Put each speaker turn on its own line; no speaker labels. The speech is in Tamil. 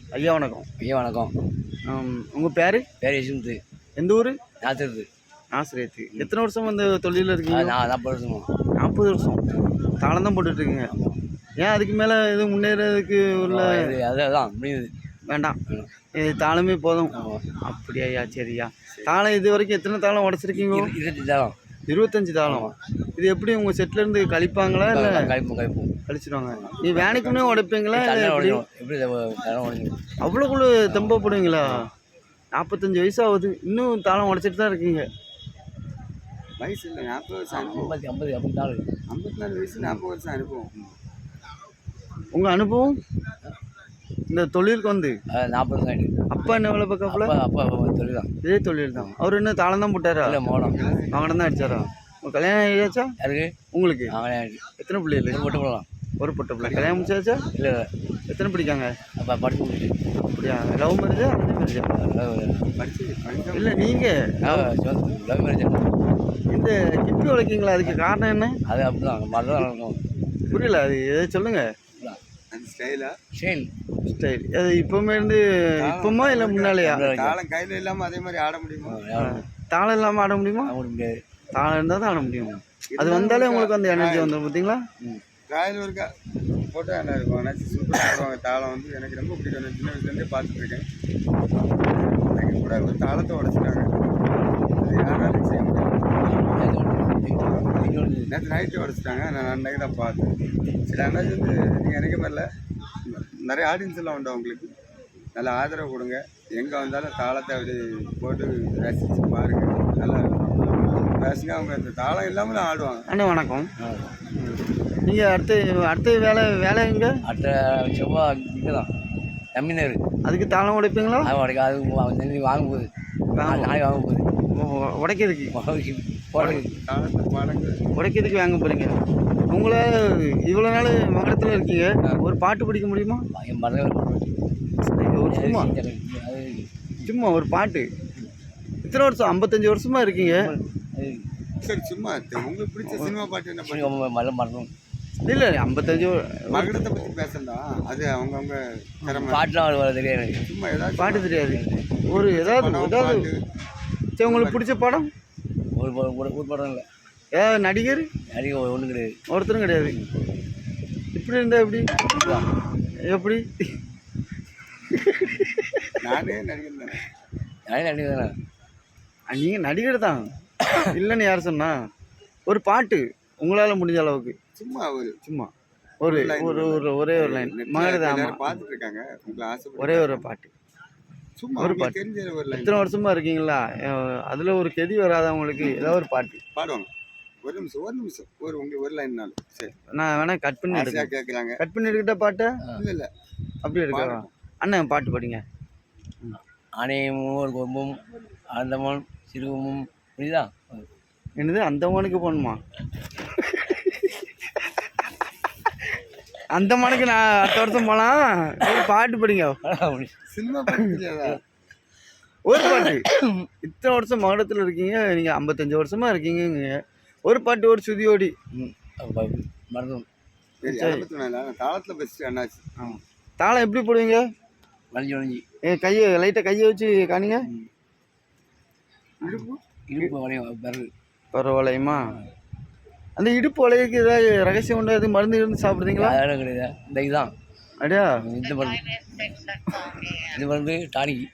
ஐயா வணக்கம்.
ஐயா வணக்கம்.
உங்கள் பேர்?
பேர் யஷ்வந்த்.
எந்த ஊர்?
நாசரத்து.
நாசரேத்து. எத்தனை வருஷம் அந்த தொழிலில் இருக்கீங்க?
40 வருஷமா.
40 வருஷம் தாளம் தான் போட்டுட்ருக்கீங்க. ஏன் அதுக்கு மேலே எதுவும் முன்னேறதுக்கு உள்ள
அதுதான் முடியுது.
வேண்டாம், இது தாளமே போதும். அப்படியா ஐயா? சரியா. தாளம் இது வரைக்கும் எத்தனை தாளம் உடச்சிருக்கீங்க?
25 தாளம்.
25 தாளம். இது எப்படி உங்கள் செட்டிலேருந்து கழிப்பாங்களா இல்லை?
கழிப்போம்.
கழிச்சிடுவாங்க. நீ வேலைக்குன்னே உடைப்பீங்களா?
எப்படி
அவ்வளோக்குள்ள தெம்பப்படுவீங்களா? 45 வயசு ஆகுது, இன்னும் தாளம் உடைச்சிட்டு தான் இருக்கீங்க.
வயசு இல்லை, 40 வருஷம். 54 வயசு, 40 வருஷம் அனுபவம்.
உங்கள் அனுபவம் இந்த தொழிலுக்கு வந்து
40 வருஷம் ஆகிடுது.
அப்பா என்ன வேலை பார்க்கல?
அப்பா தொழில் தான்.
இதே தொழில் தான். அவர் என்ன தாளம் தான் போட்டாரா?
இல்லை, மோடம்
தான் அடிச்சாரா? உங்கள் கல்யாணம் ஆகியாச்சா?
யாருக்கு?
உங்களுக்கு. எத்தனை பிள்ளைகள்?
போட்டு போடலாம்.
ஒரு பொட்டை பிள்ளை. கல்யாணம் முடிச்சாச்சா?
இல்லை.
எத்தனை படிக்காங்க?
அப்போ படிச்சு முடிச்சு.
அப்படியா? லவ் மேரேஜா அரேஞ்ச் மேரேஜா? இல்லை நீங்கள்
லவ் மேரேஜ்.
இந்த கிப்பி உழைக்கீங்களா? அதுக்கு காரணம் என்ன?
அது அப்படிதான் மாதிரிதான் நடக்கும்.
புரியல, அது எதை சொல்லுங்க.
அந்த ஸ்டைலா?
ஸ்டைல் அது இப்போமே இருந்து இப்போமா இல்லை முன்னாலேயா?
தாளம் கையில் இல்லாமல் அதே மாதிரி ஆட முடியுமா?
தாளம் இல்லாமல் ஆட முடியுமா?
முடியாது.
தாளம் இருந்தால் தான் ஆட முடியும். அது வந்தாலே உங்களுக்கு அந்த எனர்ஜி வந்துடும். பார்த்தீங்களா?
காயில் ஒருக்கா போட்டோ என்ன இருக்கும், ஆனால் சூப்பராக ஆடுவாங்க. தாளம் வந்து எனக்கு ரொம்ப பிடிக்கும். நான் சின்ன வயசுலேருந்தே பார்த்துட்ருக்கேன். எனக்கு கூட ஒரு தாளத்தை உடச்சிட்டாங்க. அது யாராலும் செய்ய முடியாது. நேற்று நைட்டு உடச்சிட்டாங்க. நான் அன்றைக்கு தான் பார்த்தேன். சில அண்ணாச்சி வந்து நீங்கள் நினைக்க மாதிரில நிறைய ஆடியன்ஸ் எல்லாம் உண்டு. அவங்களுக்கு நல்ல ஆதரவு கொடுங்க. எங்கே வந்தாலும் தாளத்தை அப்படி போட்டு ரசித்து பாருங்கள். நல்லா பேசுங்க. அவங்க அந்த தாளம் இல்லாமல் தான் ஆடுவாங்க.
அண்ணா வணக்கம். நீங்கள் அடுத்த வேலை எங்கே?
அடுத்த செவ்வாய் இங்கே தான் தமிழ்நாடு.
அதுக்கு தாளம் உடைப்பீங்களா?
அது வாங்க போகுது. நாளைக்கு வாங்க போகுது.
உடைக்கிறதுக்கு
தாளத்தை
உடைக்கிறதுக்கு வாங்க போகிறீங்க. உங்களை இவ்வளோ நாள் மகரத்தில் இருக்கீங்க, ஒரு பாட்டு படிக்க முடியுமா? ஒரு சும்மா ஒரு பாட்டு. இத்தனை வருஷம் 55 வருஷமா இருக்கீங்க.
சரி, சும்மா உங்களுக்கு பிடிச்ச சினிமா பாட்டு என்ன பண்ணி
மரணம்
இல்லை 55
மகரத்தை பற்றி பேசலாம். அது அவங்கவுங்க
பாட்டுலாம் தெரியாது.
சும்மா ஏதாவது
பாட்டு தெரியாது. ஒரு ஏதாவது சரி, உங்களுக்கு பிடிச்ச படம்?
ஒரு படம் இல்லை.
ஏதாவது நடிகர்?
ஒன்றும் கிடையாது.
ஒருத்தரும் கிடையாது. இப்படி இருந்தால் எப்படி? எப்படி?
நானே நடிகர் தானே.
நடிகர் தானே.
நீங்கள் நடிகர் தான் இல்லைன்னு யார் சொன்னா? ஒரு பாட்டு உங்களால் முடிஞ்ச அளவுக்கு சும்மா ஒரு ஒரே ஒரு லைன். மகரதான்
பார்த்துட்டு இருக்காங்க. உங்களுக்கு ஆசை
ஒரே ஒரு பாட்டு,
சும்மா
ஒரு பாட்டு.
தெரிஞ்ச ஒரு லைன்.
இத்தனை வருஷமா இருக்கீங்களா, அதில் ஒரு கெதி வராதவங்களுக்கு ஏதாவது ஒரு பாட்டு
பாடுவாங்க. ஒரு நிமிஷம் உங்களுக்கு ஒரு லைன்னாலும் சரி.
நான் வேணா கட் பண்ணி
கேட்குறாங்க.
கட் பண்ணி எடுக்கிட்ட பாட்டை?
இல்லை
அப்படி எடுக்க அண்ணன் பாட்டு படிங்க.
ஆணையமும் ஒரு கொம்பும் அந்தமான் சிறுவமும் புரியுதா?
என்னது அந்தமானுக்கு போகணுமா? அந்தமானுக்கு நான் அடுத்த வருஷம் போகலாம். ஒரு பாட்டு படிங்க.
சினிமா பாட்டு
ஒரு பாட்டு. இத்தனை வருஷம் மகடத்தில் இருக்கீங்க, நீங்கள் 55 வருஷமா இருக்கீங்க. ஒரு பாட்டு, ஒரு சுதியோடி
மறந்தும்.
தாளத்தில் பெஸ்ட்டு அண்ணாச்சு.
தாளம் எப்படி போடுவீங்க?
வளைஞ்சி
கையை லைட்டாக கையை வச்சு காணிங்க.
இடுப்பு வளையும்.
பரவாயில்லையுமா? அந்த இடுப்பு வளையக்கு ஏதாவது ரகசியம் உண்டு? அது மருந்து இருந்து சாப்பிடுறீங்களா?
கிடையாது. இந்த இதுதான்.
அப்படியா?
இந்த மருந்து டானிக்.